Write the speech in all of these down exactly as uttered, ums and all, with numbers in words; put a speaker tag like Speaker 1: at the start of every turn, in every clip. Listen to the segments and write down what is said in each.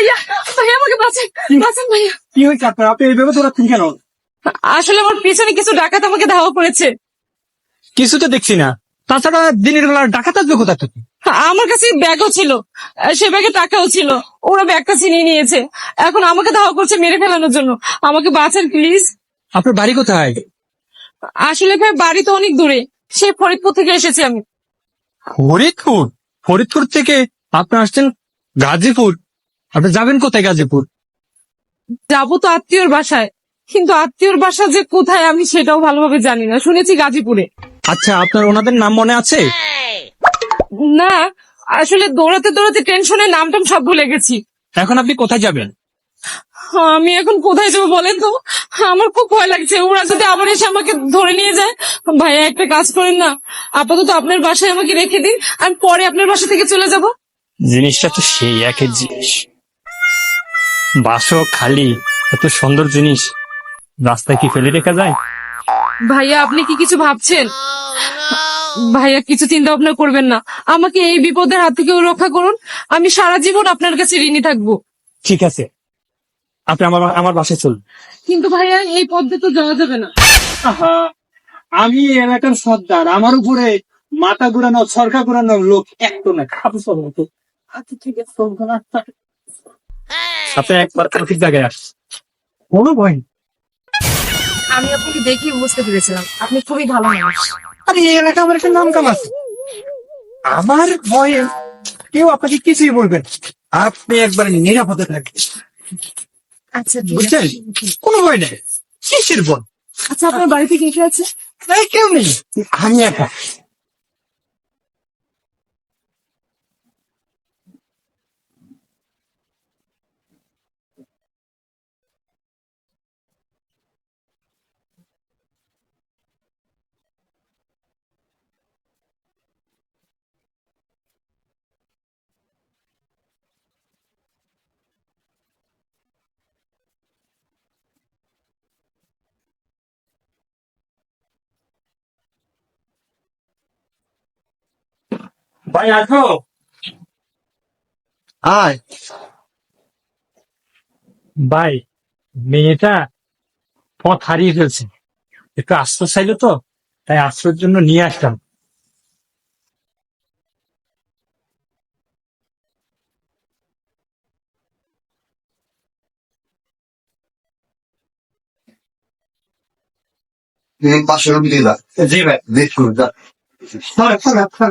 Speaker 1: ভাইয়া ভাইয়া আমাকে বাঁচান বাঁচান ভাইয়া।
Speaker 2: কি হয়েছে আপনার? আপনি এইভাবে দৌড়াচ্ছেন কেন?
Speaker 1: আসলে আমার পিছনে কিছু ডাকাত আমাকে ধাওয়া করেছে।
Speaker 2: কিছু তো দেখছি না। তাছাড়া দিনের বেলা ডাকাত আসবে কোথা থেকে?
Speaker 1: আমার কাছে ব্যাগও ছিল, সে ব্যাগে টাকাও ছিল, ওরা ব্যাগটা ছিনিয়ে নিয়েছে। এখন আমাকে ধাওয়া করছে মেরে ফেলানোর জন্য। আমাকে বাঁচান প্লিজ।
Speaker 2: আপনার বাড়ি কোথায়?
Speaker 1: আসলে ভাই বাড়ি তো অনেক দূরে, সেই ফরিদপুর থেকে এসেছি আমি।
Speaker 2: ফরিদপুর? ফরিদপুর থেকে আপনি আসছেন গাজীপুর? আপনি যাবেন কোথায় গাজীপুর?
Speaker 1: যাবো তো আত্মীয়র বাসায়, কিন্তু আত্মীয়র বাসা যে কোথায় আমি সেটাও ভালোভাবে জানি না। শুনেছি গাজীপুরে।
Speaker 2: আচ্ছা, আপনার ওনাদের নাম মনে আছে?
Speaker 1: না, আসলে দৌড়াতে দৌড়াতে টেনশনে নামটাম সব ভুলে গেছি।
Speaker 2: এখন আপনি কোথায় যাবেন?
Speaker 1: আমি এখন কোথায় যাবো বলেন তো? আমার খুব ভয় লাগছে, ওরা যদি আবার এসে আমাকে ধরে নিয়ে যায়। ভাইয়া একটা কাজ করেন না, আপাতত আপনার বাসায় আমাকে রেখে দিন, আমি পরে আপনার বাসা থেকে চলে যাব।
Speaker 2: জিনিসটা তো সেই একই জিনিস, বাসও খালি, এত সুন্দর জিনিস রাস্তায় কি ফেলে রেখা যায়?
Speaker 1: ভাইয়া আপনি কি কিছু ভাবছেন? ভাইয়া কিছু চিন্তা ভাবনা করবেন না, আমাকে এই বিপদের হাত থেকে রক্ষা করুন। আমি সারা জীবন আপনার কাছে ঋণী থাকবো।
Speaker 2: ঠিক আছে, আপনি আমার আমার বাসায় চলুন।
Speaker 1: কিন্তু ভাইয়া এই পথে তো যাওয়া যাবে না।
Speaker 3: আহা, আমি এই এলাকার সর্দার, আমার উপরে মাথা ঘুরানো সরকার ঘুরানোর লোক একটু না খাবো সব মতো। আচ্ছা ঠিক আছে, চলবো না।
Speaker 2: আপনি একবার ঠিক জায়গায় আস, কোনো ভয় নেই।
Speaker 1: আমি আপনাকে দেখি বুঝতে পেরেছিলাম আপনি খুবই ভালো মানুষ।
Speaker 3: আরে এই এলাকা আমার একটা নাম কাম আছে। আমার ভয়ে কেউ আপনাকে কিছুই বলবেন না। আপনি একবার নিরাপদে থাকবেন,
Speaker 1: আচ্ছা
Speaker 3: বুঝছেন? কোনো ভয় নেই, কিসের ভয়?
Speaker 1: আচ্ছা আপনার বাড়িতে কে কে আছে?
Speaker 3: এই কেউ নেই, আমি একা।
Speaker 2: ভাই আসো।
Speaker 3: আয়
Speaker 2: ভাই, মেয়েটা পথ হারিয়ে ফেলছে, একটু আশ্রয় চাইলো তো, তাই আশ্রয়ের জন্য নিয়ে আসলাম।
Speaker 4: পাঁচশো রুপি দিলা
Speaker 3: জি ভাই।
Speaker 4: দেখুন
Speaker 3: থাক, থাক, থাক।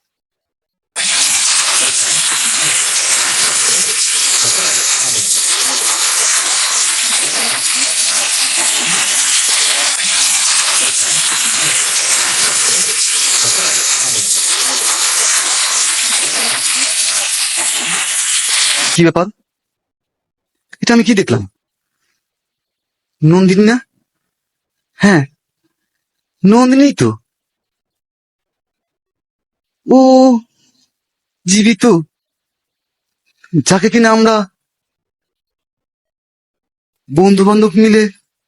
Speaker 4: কি ব্যাপার? এটা আমি কি দেখলাম? নন্দিনী না? হ্যাঁ, নন্দিনী তো। ও জীবিত, যাকে কিনা আমরা বন্ধু বান্ধব মিলে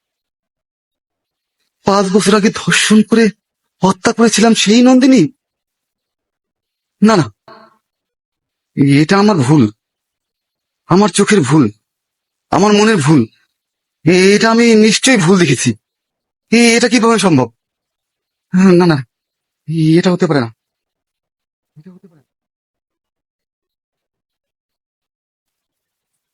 Speaker 4: পাঁচ বছর আগে ধর্ষণ করে হত্যা করেছিলাম, সেই নন্দিনী? না না, এটা আমার ভুল, আমার চোখের ভুল, আমার মনের ভুল। এ- এটা আমি নিশ্চয়ই ভুল দেখেছি। এ- এটা কিভাবে সম্ভব? না না, এটা হতে পারে না, এটা হতে পারে না।